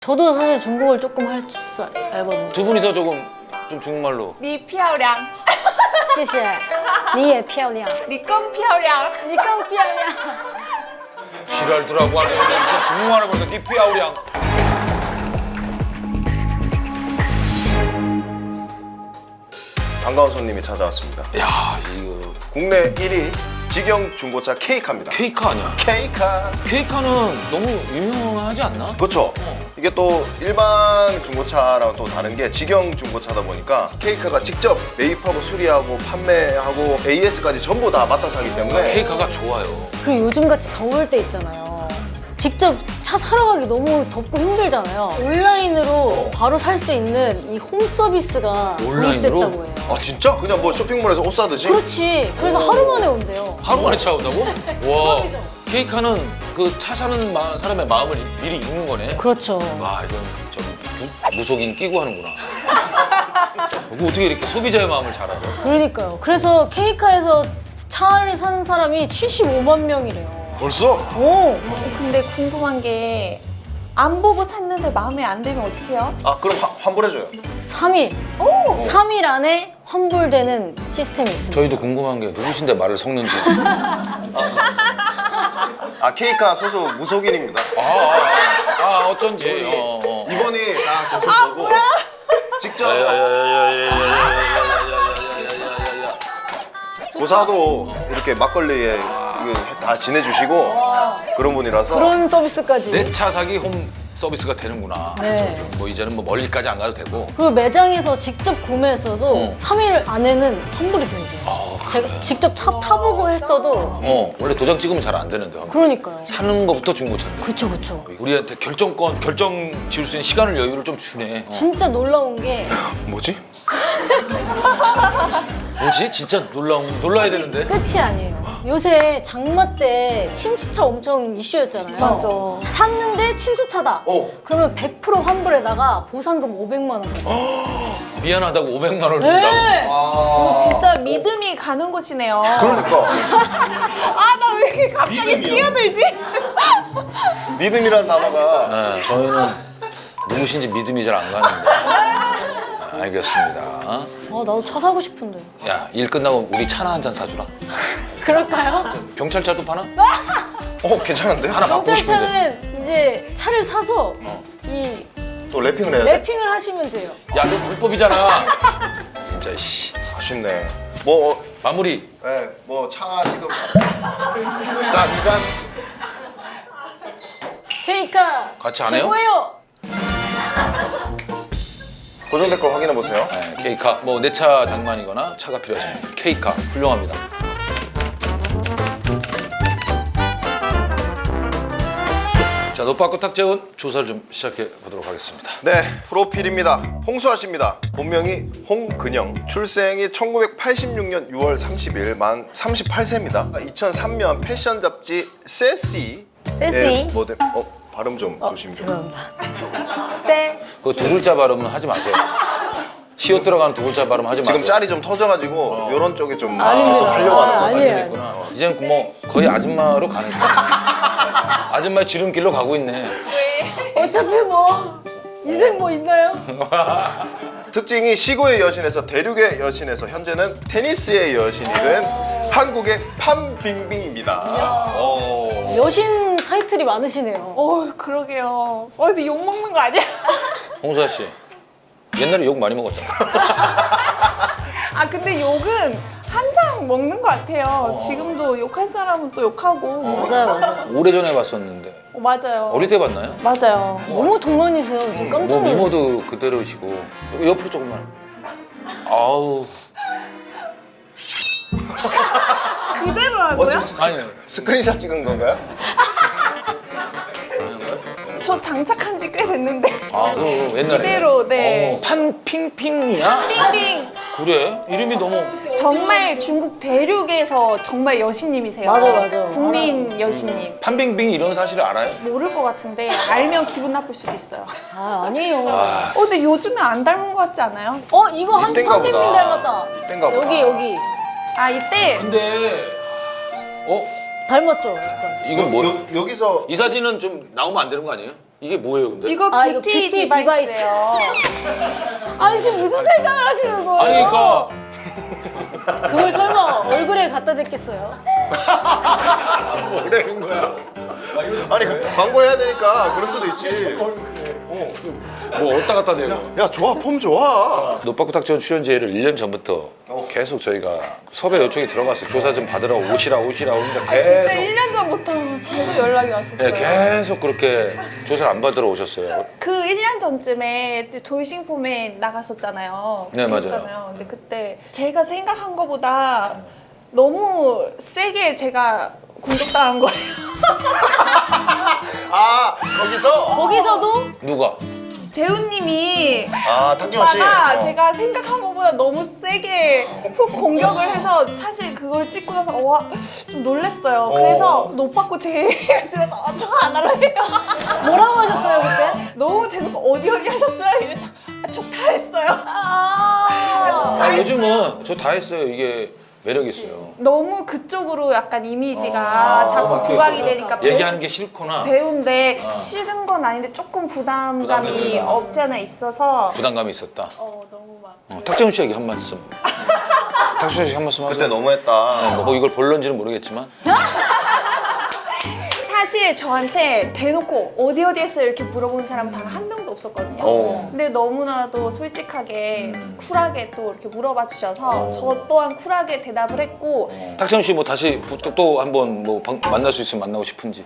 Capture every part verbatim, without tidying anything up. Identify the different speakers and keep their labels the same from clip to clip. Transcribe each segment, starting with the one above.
Speaker 1: 저도 사실 중국어를 조금 할 줄 알거든요.
Speaker 2: 두 분이서 조금 좀 중국말로.
Speaker 3: 你漂亮
Speaker 1: 谢谢你也漂亮
Speaker 3: 你更漂亮
Speaker 1: 你更漂亮
Speaker 2: 지랄더라고 하네. 무슨 중국말을 보니까 니피아우량.
Speaker 4: 반가운 손님이 찾아왔습니다.
Speaker 2: 야 이거
Speaker 4: 국내 일 위 직영 중고차 케이카입니다.
Speaker 2: 케이카 아니야?
Speaker 4: 케이카.
Speaker 2: 케이카는 너무 유명하지 않나?
Speaker 4: 그렇죠. 이게 또 일반 중고차랑 또 다른 게 직영 중고차다 보니까 케이카가 직접 매입하고 수리하고 판매하고 에이에스까지 전부 다 맡아서 하기 때문에
Speaker 2: 케이카가 좋아요.
Speaker 1: 그리고 요즘같이 더울 때 있잖아요. 직접 차 사러 가기 너무 덥고 힘들잖아요. 온라인으로 바로 살 수 있는 이 홈 서비스가
Speaker 2: 온라인으로?
Speaker 1: 도입됐다고 해요.
Speaker 4: 아 진짜? 그냥 뭐 쇼핑몰에서 옷 사듯이?
Speaker 1: 그렇지. 그래서 하루 만에 온대요.
Speaker 2: 하루 만에 차 온다고? 와. 케이카는 그 차 사는 마- 사람의 마음을 미리 읽는 거네.
Speaker 1: 그렇죠.
Speaker 2: 와 이건 저기 부- 무속인 끼고 하는구나. 이거 어떻게 이렇게 소비자의 마음을 잘 알아?
Speaker 1: 그러니까요. 그래서 케이카에서 차를 사는 사람이 칠십오만 명이래요.
Speaker 4: 벌써?
Speaker 1: 오!
Speaker 3: 근데 궁금한 게 안 보고 샀는데 마음에 안 들면 어떡해요?
Speaker 4: 아 그럼 화- 환불해줘요.
Speaker 1: 삼 일. 삼 일 안에 환불되는 시스템이 있습니다.
Speaker 2: 저희도 궁금한 게 누구신데 말을 섞는지.
Speaker 4: 아 케이카 소속 무속인입니다.
Speaker 2: 아, 아, 아, 아 어쩐지. 어, 어.
Speaker 4: 이번이 딱 고쳐 보고 직접 고사도 이렇게 막걸리에 이거 다 지내주시고 그런 분이라서
Speaker 1: 그런 서비스까지.
Speaker 2: 내 차 사기 홈 서비스가 되는구나.
Speaker 1: 네.
Speaker 2: 뭐 이제는 뭐 멀리까지 안 가도 되고.
Speaker 1: 그리고 매장에서 직접 구매했어도
Speaker 2: 어.
Speaker 1: 삼 일 안에는 환불이 된대요. 제가 직접 차 타보고 했어도
Speaker 2: 어 원래 도장 찍으면 잘 안 되는데.
Speaker 1: 그러니까요.
Speaker 2: 사는 거부터 중고차인데.
Speaker 1: 그쵸 그쵸.
Speaker 2: 우리한테 결정권, 결정 지을 수 있는 시간을 여유를 좀 주네. 어.
Speaker 1: 진짜 놀라운 게
Speaker 4: 뭐지?
Speaker 2: 뭐지? 진짜 놀라운 놀라야 되는데.
Speaker 1: 끝이 아니에요. 요새 장마 때 침수차 엄청 이슈였잖아요.
Speaker 3: 맞아.
Speaker 1: 샀는데 침수차다.
Speaker 4: 어.
Speaker 1: 그러면 백 퍼센트 환불에다가 보상금 오백만 원.
Speaker 2: 미안하다고 오백만 원을 준다고.
Speaker 1: 네.
Speaker 3: 어, 진짜 믿음이 가는 곳이네요.
Speaker 4: 그러니까
Speaker 3: 아, 나 왜 이렇게 갑자기
Speaker 4: 믿음이요.
Speaker 3: 뛰어들지?
Speaker 4: 믿음이라는 단어가
Speaker 2: 네, 저희는 누구신지 믿음이 잘 안 가는데. 아, 알겠습니다.
Speaker 1: 아 나도 차 사고 싶은데.
Speaker 2: 야, 일 끝나고 우리 차나 한 잔 사주라.
Speaker 1: 그럴까요?
Speaker 2: 경찰차도 파나?
Speaker 4: 어 괜찮은데?
Speaker 2: 하나 받고 싶은데.
Speaker 1: 경찰차는 이제 차를 사서
Speaker 2: 어.
Speaker 1: 이
Speaker 4: 또 랩핑을 해야 돼?
Speaker 1: 랩핑을 하시면 돼요.
Speaker 2: 야, 너 불법이잖아. 진짜 씨.
Speaker 4: 아쉽네. 뭐 어,
Speaker 2: 마무리.
Speaker 4: 네, 뭐 차 지금 자 이잔
Speaker 1: 케이카
Speaker 2: 같이 안 해요?
Speaker 1: 최고예요.
Speaker 4: 고정 댓글 확인해 보세요.
Speaker 2: 네, 케이카. 뭐 내 차 장만이거나 차가 필요하시면 케이카 훌륭합니다. 자, 노빠꾸 탁재훈 조사를 좀 시작해 보도록 하겠습니다.
Speaker 4: 네, 프로필입니다. 홍수아씨입니다. 본명이 홍근영. 출생이 천구백팔십육 년 유월 삼십일, 만 서른여덟 세입니다. 이천삼 년 패션 잡지 세시
Speaker 1: 세시?
Speaker 4: 모델. 어, 발음 좀 조심 좀.
Speaker 1: 죄송합니다. 세.
Speaker 2: 그 두 글자 발음은 하지 마세요. 시옷 들어가는 두 글자 발음 하지 마세요.
Speaker 4: 지금 짤이 좀 터져가지고 이런 쪽에 좀
Speaker 1: 아닙니다.
Speaker 4: 계속 하려고 하는
Speaker 1: 아,
Speaker 4: 것 같아요.
Speaker 1: 아니에요.
Speaker 2: 있구나. 이제는 뭐 거의 아줌마로 가는 거야. 아줌마의 지름길로 가고 있네.
Speaker 1: 어차피 뭐 인생 뭐 있나요?
Speaker 4: 특징이 시구의 여신에서 대륙의 여신에서 현재는 테니스의 여신이 된 한국의 판빙빙입니다. 어.
Speaker 1: 여신 타이틀이 많으시네요.
Speaker 3: 어, 그러게요. 어디 욕 먹는 거 아니야?
Speaker 2: 홍수아 씨, 옛날에 욕 많이 먹었잖아.
Speaker 3: 아, 근데 욕은 항상 먹는 것 같아요. 지금도 욕할 사람은 또 욕하고.
Speaker 1: 맞아요, 맞아요.
Speaker 2: 오래전에 봤었는데
Speaker 3: 어, 맞아요.
Speaker 2: 어릴 때 봤나요?
Speaker 3: 맞아요.
Speaker 1: 너무 동안이세요. 지금 깜짝
Speaker 2: 뭐
Speaker 1: 놀랐어요.
Speaker 2: 미모도 그대로시고 옆으로 조금만. 아우.
Speaker 3: 그대로라고요?
Speaker 4: 어, 지금
Speaker 2: 아니.
Speaker 4: 스크린샷 찍은 건가요?
Speaker 3: 저 장착한 지 꽤 됐는데.
Speaker 2: 아, 그 옛날에.
Speaker 3: 그대로, 네.
Speaker 2: 어, 판핑핑이야?
Speaker 3: 빙빙.
Speaker 2: 그래? 이름이 너무.
Speaker 3: 정말 중국 대륙에서 정말 여신님이세요.
Speaker 1: 맞아, 맞아.
Speaker 3: 국민 여신님.
Speaker 2: 판빙빙이 이런 사실을 알아요?
Speaker 3: 모를 것 같은데 알면 기분 나쁠 수도 있어요.
Speaker 1: 아, 아니에요.
Speaker 3: 어, 근데 요즘에 안 닮은 것 같지 않아요?
Speaker 1: 어, 이거 한
Speaker 4: 이땐가
Speaker 1: 판빙빙
Speaker 4: 보다.
Speaker 1: 닮았다.
Speaker 4: 이땐가 보다.
Speaker 1: 여기, 여기.
Speaker 3: 아, 이때
Speaker 2: 근데 어?
Speaker 1: 닮았죠? 약간.
Speaker 2: 이건 뭐?
Speaker 4: 여, 여기서
Speaker 2: 이 사진은 좀 나오면 안 되는 거 아니에요? 이게 뭐예요, 근데?
Speaker 3: 이거
Speaker 1: 아, 이거
Speaker 3: 뷰티,
Speaker 1: 뷰티
Speaker 3: 디바이스예요.
Speaker 1: 아니 지금 무슨 생각을 하시는 거예요?
Speaker 2: 아니, 그러니까
Speaker 1: 그걸 설마 얼굴에 갖다 댔겠어요?
Speaker 4: 뭐라는 거야? 아니 광고해야 되니까 그럴 수도 있지.
Speaker 2: 뭐 어디다 갖다 대요?
Speaker 4: 야 좋아, 폼 좋아.
Speaker 2: 노빠꾸 탁재훈 출연제를 일 년 전부터 계속 저희가 섭외 요청이 들어갔어요. 조사 좀 받으러 오시라 오시라 오니까
Speaker 3: 아, 진짜
Speaker 2: 계속
Speaker 3: 일 년 전부터 계속 연락이 왔었어요.
Speaker 2: 네, 계속 그렇게 조사를 안 받으러 오셨어요.
Speaker 3: 그 일 년 전쯤에 돌싱폼에 나갔었잖아요.
Speaker 2: 네, 맞아요.
Speaker 3: 그랬잖아요. 근데 그때 제가 생각한 것보다 너무 세게 제가 공격당한 거예요.
Speaker 4: 아 거기서
Speaker 1: 거기서도
Speaker 2: 누가?
Speaker 3: 재훈님이
Speaker 4: 아 탁재훈 씨.
Speaker 3: 오빠가
Speaker 4: 어.
Speaker 3: 제가 생각한 것보다 너무 세게 훅 공격을 해서 사실 그걸 찍고 나서 와, 좀 놀랬어요. 그래서 노빠꾸 제 얘기를 들어서 어, 저 안 할래요.
Speaker 1: 뭐라고 하셨어요 그때?
Speaker 3: 너무 대놓고 어디 어디 하셨어요? 이래서 아, 저 다 했어요.
Speaker 1: 아,
Speaker 2: 아, 요즘은 저 다 했어요. 이게 매력 있어요.
Speaker 3: 너무 그쪽으로 약간 이미지가 자꾸
Speaker 2: 아,
Speaker 3: 부각이
Speaker 2: 그래서
Speaker 3: 되니까 배우,
Speaker 2: 얘기하는 게 싫거나
Speaker 3: 배우인데 싫은 건 아닌데 조금 부담감이
Speaker 2: 부담감이
Speaker 3: 없지 않아 있어서
Speaker 2: 부담감이 있었다.
Speaker 3: 어, 너무 막
Speaker 2: 어, 탁재훈 씨에게 한 말씀. 탁재훈 씨한 말씀 하세요.
Speaker 4: 그때 너무했다.
Speaker 2: 뭐 이걸 볼런지는 모르겠지만
Speaker 3: 사실 저한테 대놓고 어디 어디 했어요 이렇게 물어보는 사람은 단 한 명도 없었거든요.
Speaker 4: 어.
Speaker 3: 근데 너무나도 솔직하게 쿨하게 또 이렇게 물어봐 주셔서 저 또한 쿨하게 대답을 했고
Speaker 2: 탁재훈 씨 뭐 다시 또, 또 한번 뭐 방- 만날 수 있으면 만나고 싶은지.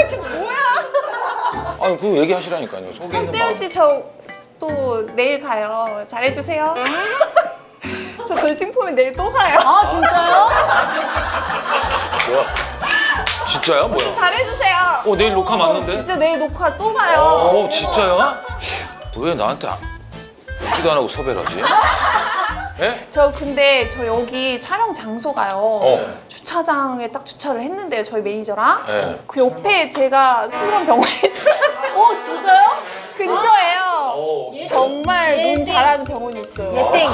Speaker 3: 뭐야?
Speaker 2: 아니 그거 얘기하시라니까요. 속에 있는
Speaker 3: 탁재훈
Speaker 2: 마음.
Speaker 3: 씨 저 또 내일 가요. 잘해주세요. 저 돌싱폼에 내일 또 가요.
Speaker 1: 아 진짜요?
Speaker 2: 뭐야? 진짜야 뭐야?
Speaker 3: 잘해주세요.
Speaker 2: 어 내일 녹화
Speaker 3: 저
Speaker 2: 맞는데?
Speaker 3: 진짜 내일 녹화 또 가요.
Speaker 2: 어 진짜야? 왜 나한테 안- 얘기도 안 하고 섭외를 하지? 예?
Speaker 3: 저 근데 저 여기 촬영 장소가요.
Speaker 4: 어.
Speaker 3: 주차장에 딱 주차를 했는데요. 저희 매니저랑.
Speaker 2: 네.
Speaker 3: 그 옆에 제가 수술한 병원이 있더라고요.
Speaker 1: 어 진짜요?
Speaker 3: 근처에요.
Speaker 2: 어,
Speaker 3: 정말
Speaker 1: 예,
Speaker 3: 눈
Speaker 1: 예.
Speaker 3: 잘하는 병원이 있어요.
Speaker 1: 예땡.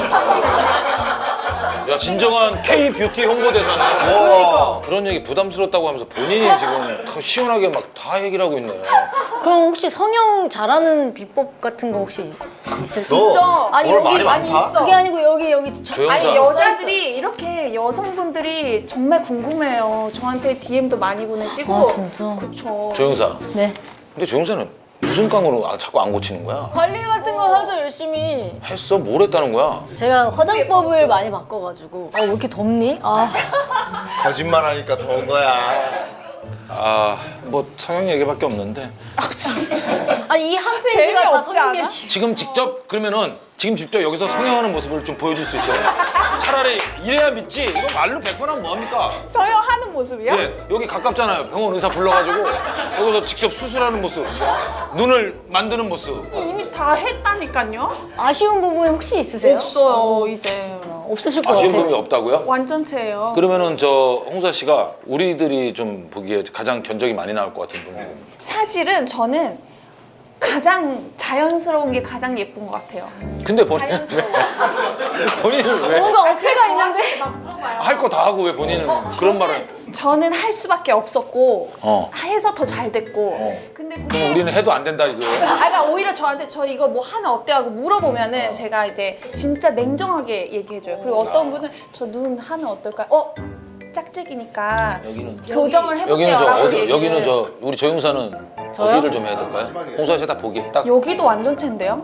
Speaker 2: 야 진정한 K 뷰티 홍보대사네.
Speaker 1: 그러니까.
Speaker 2: 그런 얘기 부담스럽다고 하면서 본인이 지금 다 시원하게 막 다 얘기를 하고 있네.
Speaker 1: 그럼 혹시 성형 잘하는 비법 같은 거 혹시 있을까요?
Speaker 4: 너
Speaker 3: 있죠.
Speaker 1: 아니,
Speaker 4: 뭘
Speaker 1: 여기
Speaker 4: 많이
Speaker 3: 많이
Speaker 4: 많다?
Speaker 3: 있어.
Speaker 1: 그게 아니고 여기 여기 저-
Speaker 2: 조영사.
Speaker 3: 아니 여자들이 이렇게 여성분들이 정말 궁금해요. 저한테 디엠도 많이 보내시고.
Speaker 1: 아, 진짜?
Speaker 3: 그쵸.
Speaker 2: 조영사.
Speaker 1: 네.
Speaker 2: 근데 조영사는 무슨 깡으로 아, 자꾸 안 고치는 거야?
Speaker 1: 관리 같은 거 하죠 열심히.
Speaker 2: 했어? 뭘 했다는 거야?
Speaker 1: 제가 화장법을 많이 바꿔가지고 아 왜 이렇게 덥니? 아
Speaker 4: 거짓말하니까 더운 거야.
Speaker 2: 아, 뭐 성형 얘기밖에 없는데
Speaker 1: 아니 이 한 페이지가 다
Speaker 3: 재미없지
Speaker 1: 성형
Speaker 3: 않아?
Speaker 1: 얘기.
Speaker 2: 지금 직접 그러면은 지금 직접 여기서 성형하는 모습을 좀 보여줄 수 있어요? 차라리 이래야 믿지. 이거 말로 백 번 하면 뭐합니까?
Speaker 3: 성형하는 모습이요?
Speaker 2: 예, 여기 가깝잖아요. 병원 의사 불러가지고 여기서 직접 수술하는 모습, 눈을 만드는 모습.
Speaker 3: 이미 다 했다니까요.
Speaker 1: 아쉬운 부분이 혹시 있으세요?
Speaker 3: 없어요 이제.
Speaker 1: 어, 없으실 것
Speaker 2: 아쉬운
Speaker 1: 같아요.
Speaker 2: 부분이 없다고요?
Speaker 3: 완전체예요.
Speaker 2: 그러면은 저 홍사 씨가 우리들이 좀 보기에 가장 견적이 많이 나올 것 같은 분.
Speaker 3: 사실은 저는 가장 자연스러운 게 가장 예쁜 것 같아요.
Speaker 2: 근데 본인은
Speaker 3: 자연스러워.
Speaker 2: 본인은 왜?
Speaker 1: 뭔가 어깨가 있는데
Speaker 3: 막 물어봐요.
Speaker 2: 할 거 다 하고 왜 본인은 그런 말을?
Speaker 3: 저는 할 수밖에 없었고
Speaker 2: 어.
Speaker 3: 해서 더 잘 됐고.
Speaker 2: 어.
Speaker 3: 근데
Speaker 2: 그럼
Speaker 3: 보통
Speaker 2: 우리는 해도 안 된다 이거예요?
Speaker 3: 아, 그러니까 오히려 저한테 저 이거 뭐 하면 어때요 하고 물어보면은 제가 이제 진짜 냉정하게 얘기해줘요. 그리고 어떤 분은 저 눈 하면 어떨까요? 어? 짝짝이니까
Speaker 2: 여기는
Speaker 3: 교정을 해보세요.
Speaker 2: 여기는 저
Speaker 3: 라고
Speaker 2: 어디?
Speaker 3: 얘기를.
Speaker 2: 여기는 저 우리 조영사는
Speaker 1: 저요?
Speaker 2: 어디를 좀 해야 될까요? 홍사 씨가 딱 보기 딱 할
Speaker 3: 여기도 완전체인데요?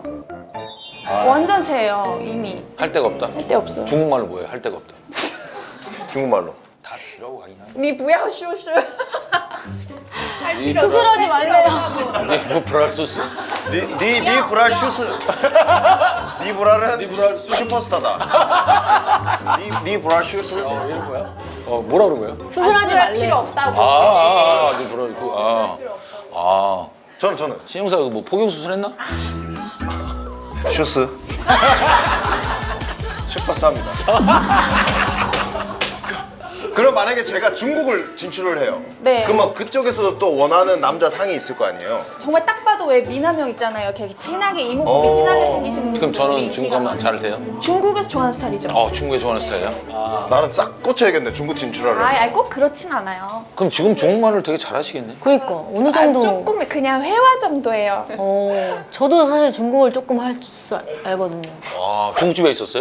Speaker 3: 완전체예요 이미.
Speaker 2: 데가 없다.
Speaker 3: 할 데 없어요.
Speaker 2: 중국말로 뭐예요? 할 데가 없다.
Speaker 4: 중국말로.
Speaker 2: 다 필요하고 가긴 하네.
Speaker 3: 니 부야오 쇼쇼.
Speaker 2: 이
Speaker 1: 수술하지 말래요.
Speaker 2: 뭐 브랄 소스.
Speaker 4: 니니 브랄 슈스. 니 브랄은
Speaker 2: 니 브랄 슈-
Speaker 4: 슈퍼스타다. 니, 니 브랄 슈스.
Speaker 2: 어, 이런 거야? 어, 뭐라 그런 거예요?
Speaker 1: 수술하지
Speaker 3: 수술할 필요
Speaker 1: 말래요.
Speaker 3: 없다고.
Speaker 2: 아, 아, 아, 니 브랄 그 아. 아.
Speaker 4: 저는 저는
Speaker 2: 신영사 뭐 포경 수술했나?
Speaker 4: 슈스. 슈퍼스타입니다. 그럼 만약에 제가 중국을 진출을 해요.
Speaker 3: 네.
Speaker 4: 그러면 그쪽에서도 또 원하는 남자 상이 있을 거 아니에요?
Speaker 3: 정말 딱 봐도 왜 미남형 있잖아요. 이렇게 진하게 이목구비
Speaker 4: 어.
Speaker 3: 진하게 생기신 분들.
Speaker 2: 그럼 저는 중국 하면 잘 돼요?
Speaker 3: 중국에서 좋아하는 스타일이죠.
Speaker 2: 어, 중국에 좋아하는 스타일이야?
Speaker 4: 나는 싹 꽂혀야겠네 중국 진출하려면.
Speaker 3: 아이, 아이 꼭 그렇진 않아요.
Speaker 2: 그럼 지금 중국말을 되게 잘하시겠네?
Speaker 1: 그러니까 어느
Speaker 3: 아,
Speaker 1: 정도.
Speaker 3: 조금 그냥 회화 정도예요.
Speaker 1: 어, 저도 사실 중국을 조금 할 줄 알거든요.
Speaker 2: 와, 중국집에 있었어요?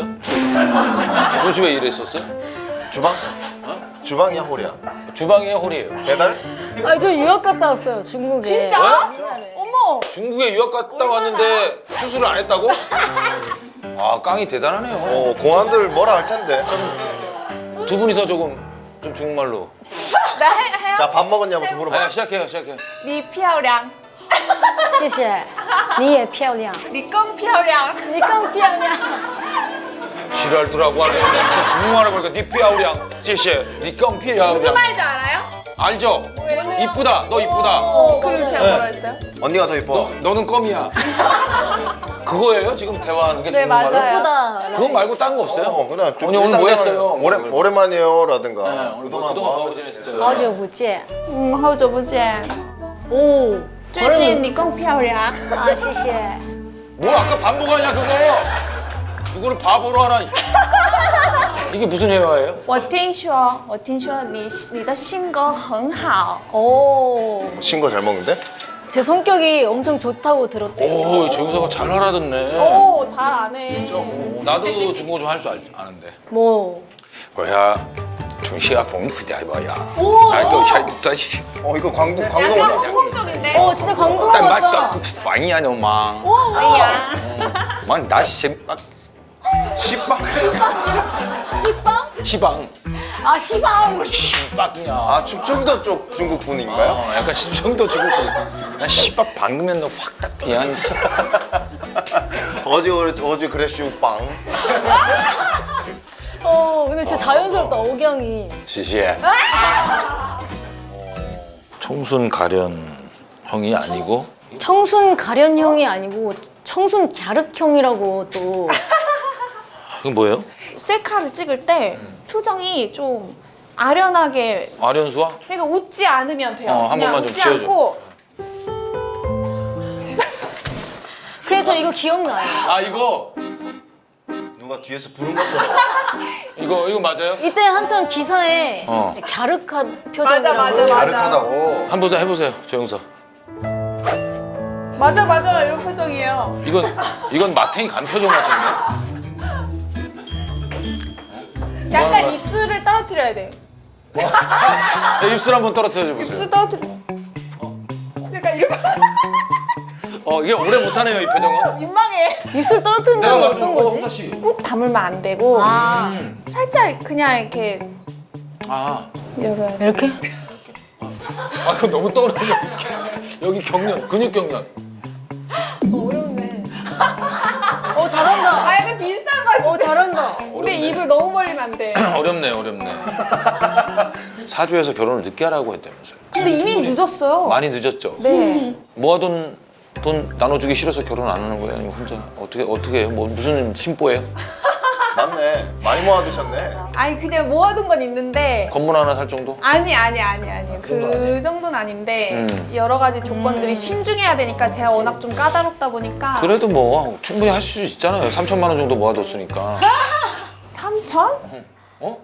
Speaker 2: 중국집에 일했었어요?
Speaker 4: 주방? 주방이야 홀이야?
Speaker 2: 주방에 홀이에요.
Speaker 4: 배달?
Speaker 1: 아, 저 유학 갔다 왔어요, 중국에.
Speaker 3: 진짜?
Speaker 1: 옛날에.
Speaker 3: 어머.
Speaker 2: 중국에 유학 갔다 왔는데 수술을 안 했다고? 아, 깡이 대단하네요.
Speaker 4: 어 공안들 뭐라 할 텐데.
Speaker 2: 두 분이서 조금 좀 중국말로.
Speaker 3: 나 해, 해요?
Speaker 4: 자 밥 먹었냐부터 물어봐.
Speaker 2: 아, 시작해요, 시작해요.
Speaker 3: 你漂亮
Speaker 1: 谢谢你也漂亮
Speaker 3: 你更漂亮
Speaker 1: 你更漂亮
Speaker 2: 지랄더라고 하네. 무슨 중국말을 보니까 니 삐아우량, 제시에, 니 깡피야.
Speaker 3: 무슨 말인지 알아요?
Speaker 2: 알죠? 이쁘다, 너 이쁘다.
Speaker 3: 어, 그리고 제가 뭐라 했어요?
Speaker 4: 언니가 더 이뻐.
Speaker 2: 너, 너는 껌이야. 그거예요? 지금 대화하는 게
Speaker 3: 네,
Speaker 2: 중국말로?
Speaker 3: 맞아요.
Speaker 1: 예쁘다.
Speaker 2: 그거 말고 딴 거 없어요?
Speaker 4: 어 그냥 좀
Speaker 2: 언니 오늘 뭐
Speaker 4: 일상생활
Speaker 2: 했어요?
Speaker 4: 오래
Speaker 2: 뭐
Speaker 4: 오랜만이요라든가
Speaker 2: 그동안
Speaker 4: 그동안
Speaker 2: 그동안
Speaker 4: 뭐
Speaker 2: 뭐
Speaker 4: 하고
Speaker 2: 지냈어요?
Speaker 1: 好久不见
Speaker 3: 음, 好久不见
Speaker 1: 오
Speaker 3: 最近你更漂亮
Speaker 1: 啊谢谢
Speaker 2: 뭐 아까 반복하냐 그거? 누구를 바보로 하나? 이게 무슨 회화예요?
Speaker 3: 我听说我听说你你的性格很好
Speaker 1: 오,
Speaker 4: 신거 잘 먹는데?
Speaker 1: 제 성격이 엄청 좋다고 들었대요.
Speaker 2: 오, 재우사가 잘 알아듣네.
Speaker 3: 오, 잘 아네
Speaker 2: 나도 중국어 좀 할 줄 아는데.
Speaker 1: 뭐
Speaker 2: 我要从西安丰富的吧呀。
Speaker 1: 오,
Speaker 2: 哎，够下多些。
Speaker 4: 어 이거 광동
Speaker 3: 약간
Speaker 4: 광동
Speaker 3: 홍콩적인데
Speaker 1: 어, 진짜 광동
Speaker 2: 但买
Speaker 1: 같다.
Speaker 2: 到反应了吗？
Speaker 3: 뭐야
Speaker 2: 妈，你打先
Speaker 4: 씨빵.
Speaker 1: 시빵?
Speaker 2: 시방.
Speaker 1: 아, 시방.
Speaker 2: 시방이야.
Speaker 4: 아 충청도 쪽 중국 분인가요?
Speaker 2: 어, 약간 심청도 주고 나 씨밥 방금면 너 확 딱 그냥
Speaker 4: 어제 어제 그랬슈 빵.
Speaker 1: 어, 근데 진짜 자연스럽다, 억양이.
Speaker 2: 시시해. 청순 가련 형이 아니고
Speaker 1: 청순 가련형이 아니고 청순 갸륵형이라고 또.
Speaker 2: 이건 뭐예요?
Speaker 3: 셀카를 찍을 때 표정이 좀 아련하게
Speaker 2: 아련수와?
Speaker 3: 그러니까 웃지 않으면 돼요
Speaker 2: 어, 한
Speaker 3: 그냥
Speaker 2: 번만 좀
Speaker 3: 웃지
Speaker 2: 지어줘.
Speaker 3: 않고
Speaker 1: 그래, 저 이거 기억나요.
Speaker 2: 아 이거
Speaker 4: 누가 뒤에서 부른 것처럼.
Speaker 2: 이거 이거 맞아요?
Speaker 1: 이때 한참 기사에
Speaker 2: 어.
Speaker 1: 갸륵한
Speaker 3: 맞아,
Speaker 1: 표정이라고.
Speaker 3: 맞아, 맞아.
Speaker 4: 가득하다고.
Speaker 2: 한번 더 해보세요, 조영사.
Speaker 3: 맞아 맞아 이런 표정이에요
Speaker 2: 이건 이건 마탱이 간 표정 같은데.
Speaker 3: 약간
Speaker 2: 거야?
Speaker 3: 입술을 떨어뜨려야 돼
Speaker 2: 제 입술 한번 떨어뜨려 보세요.
Speaker 3: 입술 떨어뜨려 약간 이렇게
Speaker 2: 어 이게 오래 못하네요 이 표정은.
Speaker 3: 민망해
Speaker 1: 입술 떨어뜨린다는 건 어떤 거지?
Speaker 2: 홍사 씨.
Speaker 3: 꾹 다물면 안 되고
Speaker 1: 아,
Speaker 3: 살짝 그냥 이렇게
Speaker 2: 아,
Speaker 3: 열어야 돼
Speaker 1: 이렇게?
Speaker 2: 아 이거 너무 떠오르네. 여기 경련, 근육 경련.
Speaker 3: 어렵네
Speaker 1: 어, 잘한다.
Speaker 3: 아 약간 비슷한 거 같아
Speaker 1: 어, 잘한다.
Speaker 3: 근데 입을 너무 벌리면 안돼
Speaker 2: 어렵네, 어렵네. 사주에서 결혼을 늦게 하라고 했다면서요.
Speaker 3: 근데 이미 늦었어요
Speaker 2: 많이 늦었죠.
Speaker 3: 네
Speaker 2: 모아둔 돈 나눠주기 싫어서 결혼 안 하는 거예요? 아니면 혼자 어떻게 어떻게 해요? 뭐 무슨 심보예요?
Speaker 4: 맞네. 많이 모아두셨네.
Speaker 3: 아니 그냥 모아둔 건 있는데
Speaker 2: 건물 하나 살 정도?
Speaker 3: 아니 아니 아니 아니 그 정도는 아닌데
Speaker 2: 음.
Speaker 3: 여러 가지 조건들이 신중해야 되니까 제가 워낙 좀 까다롭다 보니까
Speaker 2: 그래도 뭐 충분히 할 수 있잖아요. 삼천만 원 정도 모아뒀으니까.
Speaker 3: 삼천?
Speaker 2: 어?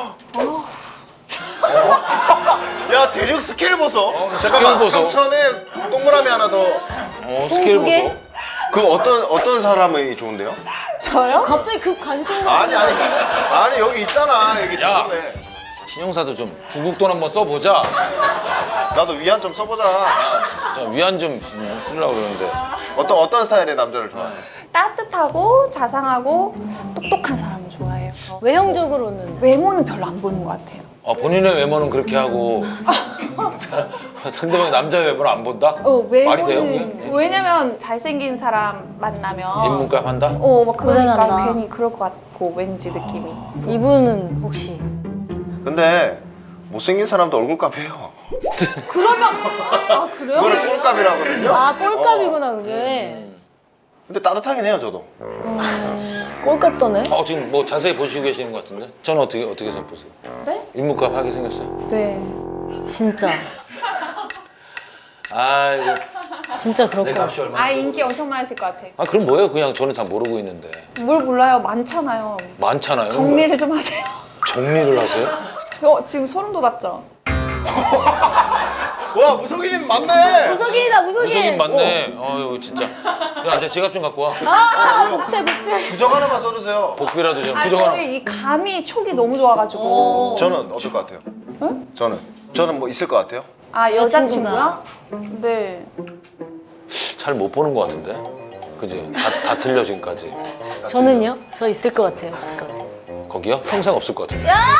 Speaker 4: 야 대륙 스케일 보소.
Speaker 2: 어,
Speaker 4: 잠깐만.
Speaker 2: 스케일 보소.
Speaker 4: 삼천에 동그라미 하나 더.
Speaker 2: 어 스케일
Speaker 1: 두 개?
Speaker 2: 보소.
Speaker 4: 그 어떤 어떤 사람이 좋은데요?
Speaker 3: 저요?
Speaker 1: 갑자기 급 관심.
Speaker 4: 아니 아니 아니 여기 있잖아 여기
Speaker 2: 야.
Speaker 4: 뒷부분에.
Speaker 2: 신용사도 좀 중국 돈 한번 써보자.
Speaker 4: 나도 위안 좀 써보자.
Speaker 2: 자, 위안 좀 쓰려고 그러는데.
Speaker 4: 어떤 어떤 스타일의 남자를 좋아해?
Speaker 3: 따뜻하고 자상하고 똑똑한 사람을 좋아해요
Speaker 1: 외형적으로는.
Speaker 3: 외모는 별로 안 보는 것 같아요
Speaker 2: 아, 본인의 외모는 그렇게 하고 상대방의 남자 외모를 안 본다?
Speaker 3: 어,
Speaker 2: 말이 돼요?
Speaker 3: 외모는
Speaker 2: 그게?
Speaker 3: 왜냐면 잘생긴 사람 만나면
Speaker 2: 인문값 한다?
Speaker 3: 어, 막 그러니까
Speaker 1: 고생한다.
Speaker 3: 괜히 그럴 것 같고 왠지 느낌이
Speaker 1: 이분은 혹시.
Speaker 4: 근데 못생긴 사람도 얼굴값 해요.
Speaker 3: 그러면 아 그래요?
Speaker 4: 그거를 꼴값이라 하거든요.
Speaker 1: 아, 꼴값이구나, 그게.
Speaker 4: 근데 따뜻하긴 해요 저도.
Speaker 1: 꼴값 떠네.
Speaker 2: 어, 지금 뭐 자세히 보시고 계시는 것 같은데? 저는 어떻게 어떻게 생각보세요?
Speaker 3: 네?
Speaker 2: 인물값 하게 생겼어요?
Speaker 3: 네.
Speaker 1: 진짜.
Speaker 2: 아이고
Speaker 1: 진짜 그럴
Speaker 2: 내
Speaker 1: 거야.
Speaker 2: 값이 얼마?
Speaker 3: 아 인기 엄청 많으실 것 같아.
Speaker 2: 아 그럼 뭐예요? 그냥 저는 잘 모르고 있는데
Speaker 3: 뭘 몰라요? 많잖아요.
Speaker 2: 많잖아요.
Speaker 3: 정리를 좀 하세요.
Speaker 2: 정리를 하세요?
Speaker 3: 어, 지금 소름 돋았죠?
Speaker 4: 와 무속인님 맞네.
Speaker 1: 무속인이다 무속인.
Speaker 2: 무속인 맞네. 어유 진짜. 야, 내 지갑 좀 갖고 와.
Speaker 1: 아 복제 복제.
Speaker 4: 부적 하나만 써주세요.
Speaker 2: 복비라도 좀
Speaker 3: 아
Speaker 2: 부정 하나.
Speaker 3: 저희 이 감이 촉이 너무 좋아가지고.
Speaker 4: 저는 어떨 것 같아요? 저는 저는 뭐 있을 것 같아요?
Speaker 3: 아
Speaker 1: 여자친구가?
Speaker 3: 여자친구요? 네.
Speaker 2: 잘 못 보는 것 같은데. 그지? 다, 다 틀려 지금까지.
Speaker 1: 저는요? 저 있을 것 같아요. 없을 것 같아요.
Speaker 2: 거기요? 평생 없을 것 같은데.
Speaker 4: 야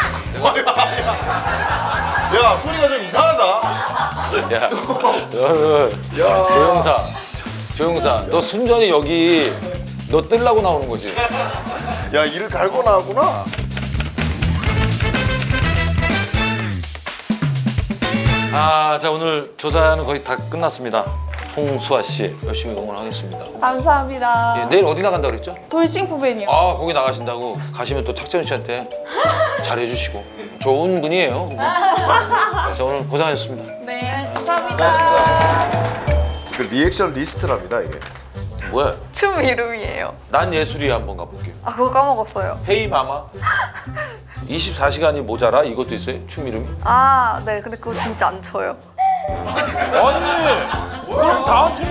Speaker 4: 소리가 좀 이상하다.
Speaker 2: 야, 너,
Speaker 4: 야.
Speaker 2: 조영사, 조영사, 너 순전히 여기 너 뜰라고 나오는 거지.
Speaker 4: 야 이를 갈고 나왔구나.
Speaker 2: 아, 자 오늘 조사는 거의 다 끝났습니다. 홍수아 씨 열심히 응원하겠습니다.
Speaker 3: 감사합니다.
Speaker 2: 예, 내일 어디 나간다 그랬죠?
Speaker 3: 돌싱포벤이요.
Speaker 2: 아, 거기 나가신다고 가시면 또 탁재훈 씨한테 잘해주시고 좋은 분이에요. 그분. 자 오늘 고생하셨습니다.
Speaker 3: 네, 감사합니다.
Speaker 4: 그 리액션 리스트랍니다 이게.
Speaker 2: 뭐야?
Speaker 5: 춤 이름이에요.
Speaker 2: 난 예술이야 한번 가볼게요.
Speaker 5: 아 그거 까먹었어요.
Speaker 2: 헤이 마마. 이십사 시간이 모자라 이것도 있어요? 춤 이름이?
Speaker 5: 아 네, 근데 그거 진짜 안 춰요.
Speaker 2: 아니 그럼 다음 춤